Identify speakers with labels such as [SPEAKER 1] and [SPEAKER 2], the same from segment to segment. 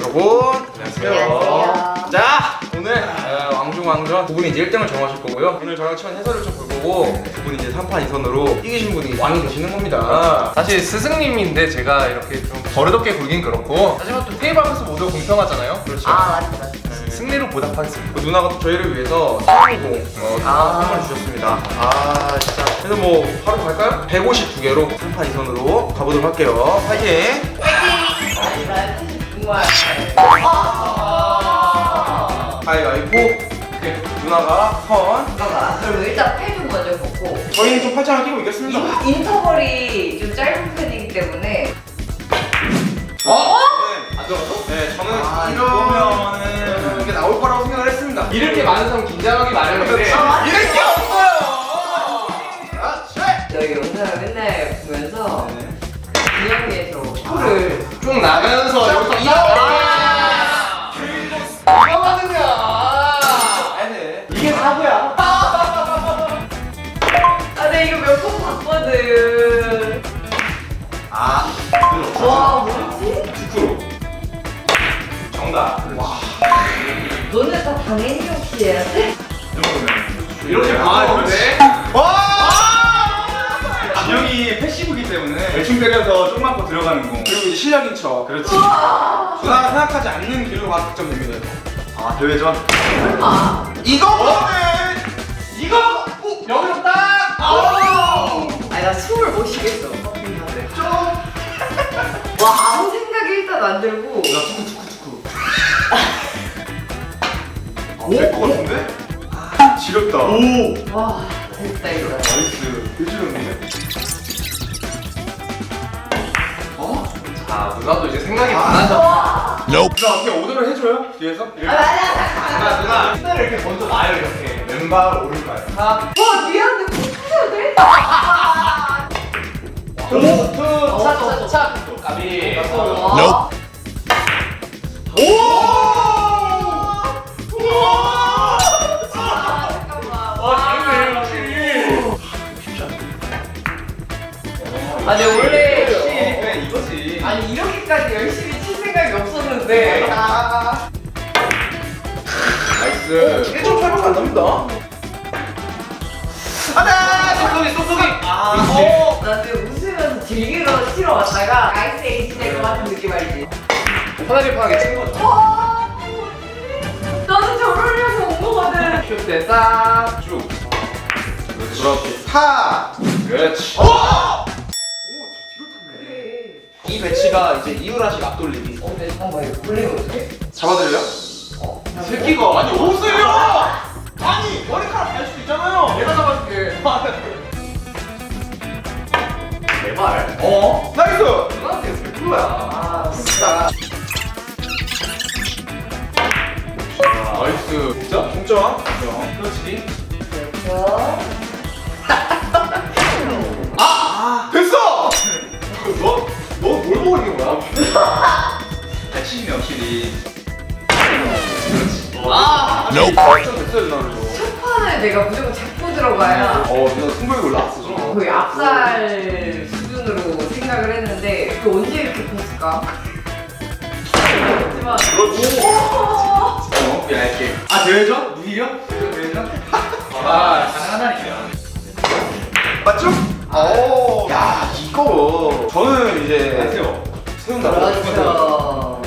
[SPEAKER 1] 여러분
[SPEAKER 2] 안녕하세요.
[SPEAKER 1] 자, 오늘 왕중왕전 두 분이 이제 1등을 정하실 거고요. 오늘 저랑 치원 해설을 좀 볼 거고 두 분이 이제 3판 2선으로 이기신 분이 왕이 되시는 겁니다.
[SPEAKER 3] 사실 스승님인데 제가 이렇게 좀 버릇없게 굴긴 그렇고, 하지만 또 테이블 앞에서 모두 공평하잖아요.
[SPEAKER 1] 그렇죠.
[SPEAKER 2] 맞다.
[SPEAKER 3] 승리로 보답하겠습니다.
[SPEAKER 1] 그 누나가 또 저희를 위해서 상공 선물 주셨습니다. 진짜. 그래서 뭐 바로 갈까요? 152개로 3판 2선으로 가보도록 할게요. 파이팅! 가위바위보. 누나가 선.
[SPEAKER 2] 그럼 일단 패드 먼저 먹고.
[SPEAKER 1] 저희는 좀 팔짱을 끼고 있겠습니다.
[SPEAKER 2] 인터벌이 좀 짧은 편이기 때문에.
[SPEAKER 1] 안 들어갔어? 네, 저는 이러면은 이게 나올 거라고 생각을 했습니다.
[SPEAKER 3] 이렇게 많은 사람 긴장하기 마련인데
[SPEAKER 1] 이럴 게 없어요!
[SPEAKER 2] 저희 영상을 맨날 보면서 분야에서 코를
[SPEAKER 3] 쭉 나가면서 여기서
[SPEAKER 1] 이게 사고야.
[SPEAKER 2] 내 이거 몇 번 봤거든. 와, 뭐지?
[SPEAKER 1] 9% 정답.
[SPEAKER 2] 너네 다 당연히 역시 해야 돼?
[SPEAKER 3] 이렇게
[SPEAKER 1] 그렇지.
[SPEAKER 4] 진영이 패시브기 때문에 대충 때려서 조그만 거 들어가는 거.
[SPEAKER 1] 그리고 이제 실력인 척.
[SPEAKER 4] 그렇지.
[SPEAKER 1] 누나가 생각하지 않는 길로 가 득점됩니다.
[SPEAKER 4] 대회전.
[SPEAKER 2] 설마.
[SPEAKER 1] 이거거든!
[SPEAKER 3] 이거 여기서 딱
[SPEAKER 2] 아니, 나 숨을 못 쉬겠어. 와, 아무 생각이 일단 안 들고.
[SPEAKER 4] 될것 같은데? 지렸다. 오.
[SPEAKER 2] 와, 됐다, 이거.
[SPEAKER 4] 나이스. 일주일인데?
[SPEAKER 3] 누나도 이제 생각이 많아져.
[SPEAKER 4] 누나 어떻게 오더를 해줘요? 뒤에서? 이렇게?
[SPEAKER 3] 누나 신나를 이렇게 먼저 놔요. 이렇게 왼발 오른발
[SPEAKER 2] 와, 미안한데 뭐 터져야 돼?
[SPEAKER 3] 투차차차 까비.
[SPEAKER 2] 와. 아니 원래
[SPEAKER 4] 그래 이거지.
[SPEAKER 2] 아니 이렇게까지 열심히 칠 생각이 없었는데
[SPEAKER 1] 나이스. 1.8분 안 납니다.
[SPEAKER 3] 쏙쏙이 쏙쏙이.
[SPEAKER 2] 나 지금 웃으면서 즐기러 치러 왔다가 아이스 에이지 될 것 같은 느낌 알지?
[SPEAKER 3] 편하게 치는 거죠.
[SPEAKER 2] 와 나도 저러려고 온 거거든.
[SPEAKER 3] 슛때 딱.
[SPEAKER 4] 쭉.
[SPEAKER 1] 그렇지. 파!
[SPEAKER 4] 그렇지.
[SPEAKER 2] 그래.
[SPEAKER 1] 이 배치가 이제 이유라식 앞돌리기.
[SPEAKER 2] 근데 잠깐만 이거 돌리면 어떡해?
[SPEAKER 1] 잡아드려요?
[SPEAKER 3] 새끼가 아니 오세요.
[SPEAKER 1] 아니! 머리카락 갈 수도 있잖아요!
[SPEAKER 3] 내가 잡아줄게. 내 말.
[SPEAKER 1] 나이스!
[SPEAKER 3] 누나한테 100%야.
[SPEAKER 2] 아 진짜.
[SPEAKER 3] 나이스.
[SPEAKER 1] 진짜? 동점?
[SPEAKER 3] 그렇지.
[SPEAKER 1] 됐어!
[SPEAKER 3] 너 뭘 보고 있는 거야?
[SPEAKER 4] 패시브네 확실히.
[SPEAKER 1] 점됐어요 누나를.
[SPEAKER 2] 첫 판을 내가 무조건 잡고 들어가야
[SPEAKER 1] 누나 승부욕 올라왔어.
[SPEAKER 2] 거의 압살 수준으로 생각을 했는데 또 언제 이렇게 컸을까? 하지만
[SPEAKER 1] 얇게.
[SPEAKER 4] 대회전? 무기력? 대회전? 가능하다니까.
[SPEAKER 1] 맞죠? 야, 이거. 저는 이제.
[SPEAKER 4] 안녕하세요.
[SPEAKER 1] 세운다고.
[SPEAKER 2] 그렇죠.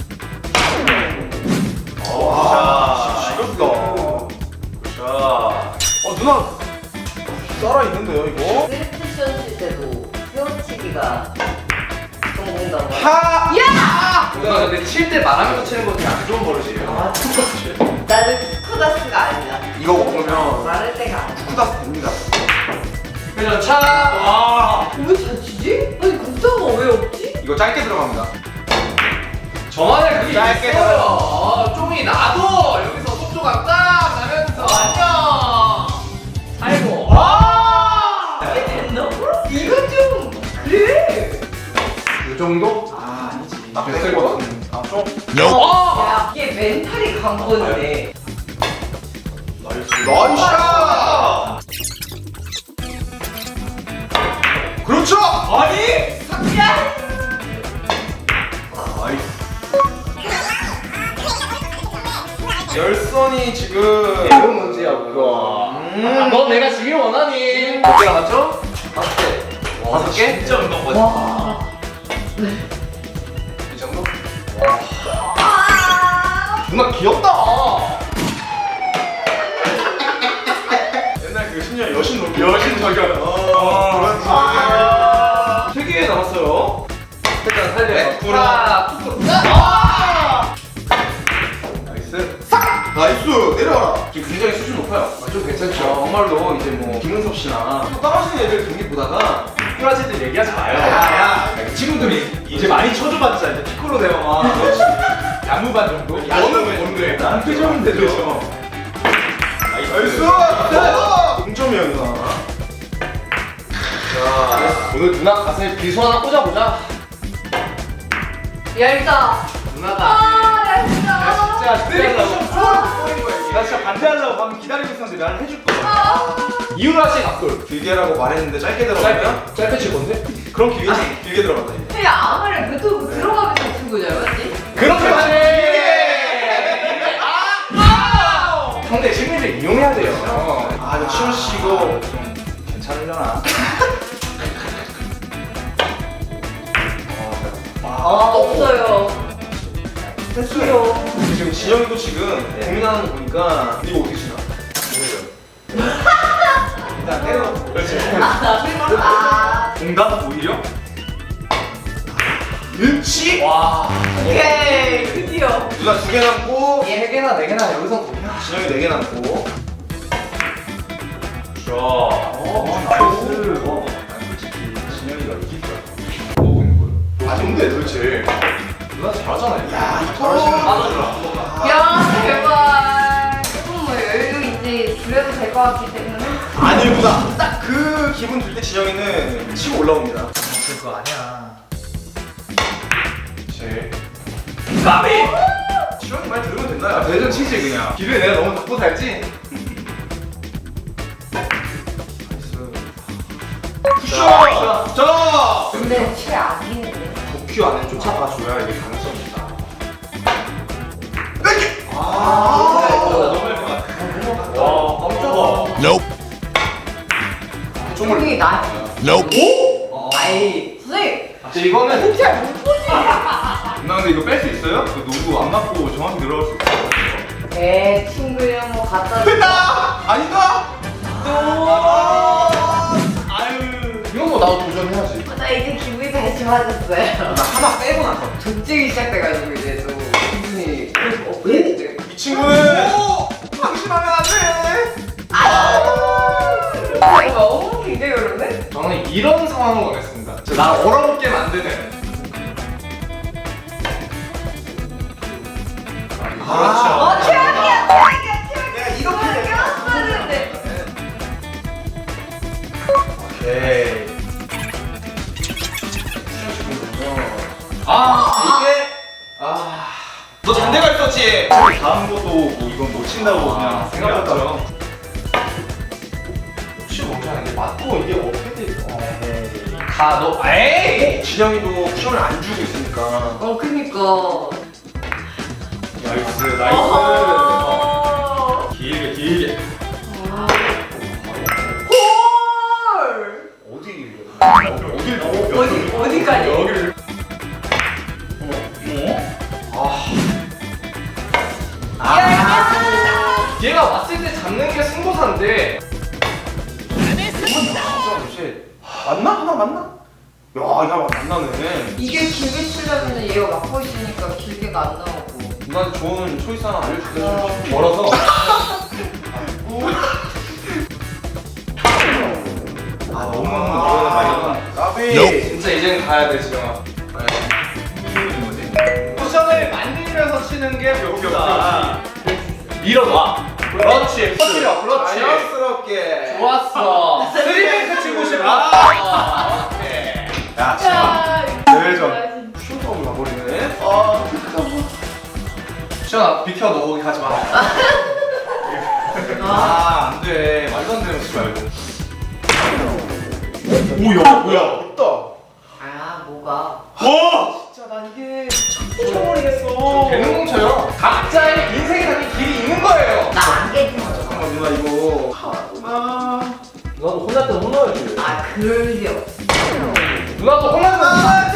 [SPEAKER 1] 와, 지겹다.
[SPEAKER 4] 자.
[SPEAKER 1] 누나. 살아있는데요, 이거?
[SPEAKER 2] 세레쿠션 칠 때도 헤어치기가 성공다고.
[SPEAKER 3] 누나 근데 칠 때 말하면서 치는 거 되게 안 좋은 버릇이에요.
[SPEAKER 2] 아, 나는 쿠다스가 아니야.
[SPEAKER 1] 이거 먹으면
[SPEAKER 2] 말할 때가 아니야.
[SPEAKER 1] 쿠다스 됩니다.
[SPEAKER 3] 그냥 차.
[SPEAKER 2] 왜 잘 치지? 아니 국자가 왜 없지?
[SPEAKER 1] 이거 짧게 들어갑니다.
[SPEAKER 3] 저만의 그게
[SPEAKER 1] 짧게
[SPEAKER 3] 있어요. 좀이 나도 여기서 속도가 딱 나면서 안녕. 아이고.
[SPEAKER 2] 이게 된다고? 이거 좀 그래.
[SPEAKER 1] 이 정도?
[SPEAKER 4] 아니지.
[SPEAKER 1] 됐을 것 같은데. 좀?
[SPEAKER 2] 야 이게 멘탈이 간 건데.
[SPEAKER 1] 나이스! 그렇죠!
[SPEAKER 4] 아니?
[SPEAKER 2] 야!
[SPEAKER 4] 나이스.
[SPEAKER 1] 열선이 지금
[SPEAKER 3] 이건 문제야 그거. 너 내가 지길 원하니? 몇 개 남았죠? 5개. 5개?
[SPEAKER 4] 진짜 운동 거지.
[SPEAKER 3] 이 정도? 누나 귀엽다.
[SPEAKER 1] 옛날 그 신년 여신 놀
[SPEAKER 4] 여신 저격.
[SPEAKER 1] 그렇지. 3개 남았어요.
[SPEAKER 3] 일단 살려.
[SPEAKER 1] 네,
[SPEAKER 3] 하나, 툭.
[SPEAKER 1] 나이스. 나이스. 내려와라. 지금 굉장히 수준 높아요.
[SPEAKER 3] 좀 괜찮죠?
[SPEAKER 1] 정말로 이제 뭐 김은섭 씨나 따라하시는 애들 경기 보다가
[SPEAKER 4] 프라지들 얘기하지 마요.
[SPEAKER 1] 야.
[SPEAKER 4] 친구들이 이제 많이 쳐줘봤자 이제 피콜로 대형아. 야무반 정도?
[SPEAKER 1] 너는 뭔데?
[SPEAKER 4] 나는 표정은 되죠.
[SPEAKER 1] 나이스. 동점이야 누나. 자.
[SPEAKER 3] 오늘 누나 가슴에 비수 하나 꽂아보자.
[SPEAKER 2] 열다.
[SPEAKER 3] 누나가
[SPEAKER 2] 열다.
[SPEAKER 4] 나 진짜 반대하려고 방금 기다리고 있었는데 나는 해줄 거야.
[SPEAKER 3] 이유라 씨 각돌.
[SPEAKER 1] 길게라고 말했는데 짧게 들어가면
[SPEAKER 3] 짧게 칠 건데?
[SPEAKER 1] 그럼 길게 들어간다.
[SPEAKER 2] 근데 아무리 그것도 들어가면서 친 거잖아, 맞지?
[SPEAKER 3] 그렇게 상대 심리를 이용해야 돼요.
[SPEAKER 1] 아, 이거 치훈 씨 이거
[SPEAKER 4] 좀 괜찮으려나?
[SPEAKER 2] 없어요.
[SPEAKER 1] 됐어요. 지금 진영이도 지금 고민하는 거 보니까 이거 어떻게 치나? 일단 때려놓고.
[SPEAKER 4] 그렇지.
[SPEAKER 2] 아,
[SPEAKER 4] 공감 오히려?
[SPEAKER 1] 일치.
[SPEAKER 3] 와.
[SPEAKER 2] 오케이. 드디어.
[SPEAKER 1] 누나 2개 남고
[SPEAKER 3] 얘 3개나 4개나 여기서 보면.
[SPEAKER 1] 진영이 4개 남고.
[SPEAKER 4] 자. 나이스. 난 솔직히 진영이가 이길 거야. 뭐 보고 있는 거야?
[SPEAKER 1] 아, 뭔데 도대체?
[SPEAKER 3] 누나 잘하잖아요.
[SPEAKER 1] 야,
[SPEAKER 2] 야, 제발. 조금 뭐 여유 이제 줄여도 될 것 같기 때문에.
[SPEAKER 1] 아니구나. 딱 그 기분 들 때 진영이는 치고 올라옵니다.
[SPEAKER 4] 그거 아니야.
[SPEAKER 3] 제.
[SPEAKER 4] 까비!
[SPEAKER 1] 진영이 말 들으면 된다.
[SPEAKER 3] 대전 치지 그냥.
[SPEAKER 4] 기류에 내가 너무 덮고 살지?
[SPEAKER 1] 굿샷! 자!
[SPEAKER 2] 근데 칠 아니는데.
[SPEAKER 3] 도큐 안에 쫓아가줘야 이게 가능성이 있다.
[SPEAKER 4] 너무 할 것 같아. 와, 깜짝아.
[SPEAKER 2] 조용히 나.
[SPEAKER 1] 오?
[SPEAKER 2] 아이, 선생님.
[SPEAKER 3] 이거는
[SPEAKER 2] 잘 못 보지.
[SPEAKER 4] 누나 근데 이거 뺄 수 있어요? 그 농구 안 맞고 정확히 들어갈 수 있어요?
[SPEAKER 2] 내 친구랑 뭐 갖다 줘.
[SPEAKER 1] 됐다! 아닌가?
[SPEAKER 4] 아유.
[SPEAKER 3] 이런 거 나도 도전해야지.
[SPEAKER 2] 나 이제 기분이 다시 좋아졌어요.
[SPEAKER 1] 나 하나 빼고 나서.
[SPEAKER 2] 조증이 시작돼가지고 이제 또 기분이 어떻게
[SPEAKER 1] 이 친구는 방심하면 안 돼!
[SPEAKER 2] 너무 굉장히 어렵네?
[SPEAKER 3] 저는 이런 상황을 원했습니다. 나 얼어붙게 만드는.
[SPEAKER 2] 어, 최악이야, 최악이야, 최악이야.
[SPEAKER 1] 야, 이렇게 돼.
[SPEAKER 2] 껴왔었는데.
[SPEAKER 1] 오케이. 너 잔대가 있었지?
[SPEAKER 4] 다음 것도 뭐 이건 못 친다고 그냥
[SPEAKER 1] 생각했죠.
[SPEAKER 3] 혹시 뭔지 아는데 맞고 이게 어떻게 돼? 가 너. 에이.
[SPEAKER 1] 진영이도 쿠션을 안 주고 있으니까.
[SPEAKER 2] 그니까.
[SPEAKER 4] 나이스 나이스. 길게.
[SPEAKER 2] 헐!
[SPEAKER 1] 어딜
[SPEAKER 2] 어디까지?
[SPEAKER 4] 여기를.
[SPEAKER 3] 얘가 왔을 때 잡는 게 승부사인데.
[SPEAKER 1] 맞나? 하나 맞나? 야, 야, 맞나네.
[SPEAKER 2] 이게 길게 치려면 얘가 막고 있으니까 길게가 안 나오고.
[SPEAKER 1] 누나한테 좋은 초이스 하나 알려줄게.
[SPEAKER 3] 멀어서.
[SPEAKER 1] 아, 너무 이거는 말이구나. 까비.
[SPEAKER 3] 진짜 이제는 가야 돼 지영아. 쿠션을 만들면서 치는 게 묘기다. 밀어놔. 그렇지. 터뜨려. 그렇지.
[SPEAKER 1] 자연스럽게.
[SPEAKER 3] 좋았어. 스리뱅크 치고 싶어. 오케이.
[SPEAKER 1] 야,
[SPEAKER 2] 자,
[SPEAKER 1] 대회전. 쿠션으로 가버리네.
[SPEAKER 3] 시원아 비켜 너 거기 가지 마.
[SPEAKER 1] 아, 안 돼. 말도 안 되는 거 치지 말고.
[SPEAKER 4] 오야 뭐야.
[SPEAKER 1] 없다.
[SPEAKER 2] 아, 뭐가?
[SPEAKER 4] 와.
[SPEAKER 1] 진짜 나 이게
[SPEAKER 3] 되는 뭉쳐요. 각자의 인생이 담긴 길이 있는
[SPEAKER 2] 그럴 리 없어.
[SPEAKER 3] 누나도 홈런 던지지.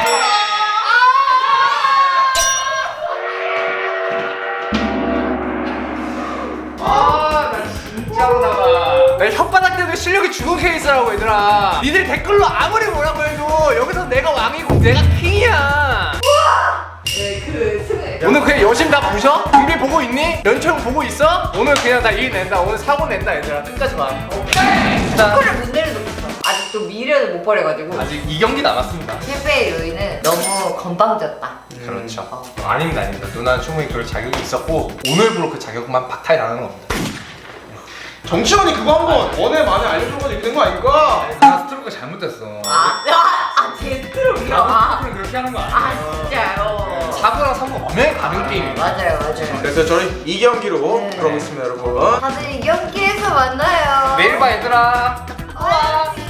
[SPEAKER 3] 아나 진짜로다가 내 혓바닥 때문에 실력이 죽은 케이스라고 얘들아. 니들 댓글로 아무리 뭐라고 해도 여기서 내가 왕이고 내가 킹이야.
[SPEAKER 2] 네, 그 승을.
[SPEAKER 3] 오늘 그냥 여심 다 부셔? 준비 보고 있니? 연초형 보고 있어? 오늘 그냥 다 일 낸다. 오늘 사고 낸다 얘들아. 끝까지 봐.
[SPEAKER 2] 스코어를 못 내려도 있어. 아직도 미련을 못 버려가지고.
[SPEAKER 3] 아직 2경기 남았습니다.
[SPEAKER 2] 실패의 요인은 너무 건방졌다.
[SPEAKER 3] 그렇죠. 아닙니다, 아닙니다. 누나는 충분히 그럴 자격이 있었고 오늘부로 그 자격만 박탈당하는 겁니다.
[SPEAKER 1] 정치원이 그거 한번 원에 많이 알려줘가지고 이렇게 된 거 아닐까?
[SPEAKER 3] 나 스트로크가 잘못됐어.
[SPEAKER 2] 제스트로요?
[SPEAKER 3] 스트로크는 그렇게 하는 거 아니야.
[SPEAKER 2] 아, 진짜요?
[SPEAKER 3] 4구랑 3구 엄연히 가는 게임이야.
[SPEAKER 2] 맞아요, 맞아요.
[SPEAKER 1] 그래서 저희 2경기로
[SPEAKER 2] 네.
[SPEAKER 1] 들어보겠습니다 여러분.
[SPEAKER 2] 다들 이 경기에서 만나요.
[SPEAKER 3] 내일 봐 얘들아.
[SPEAKER 2] 와.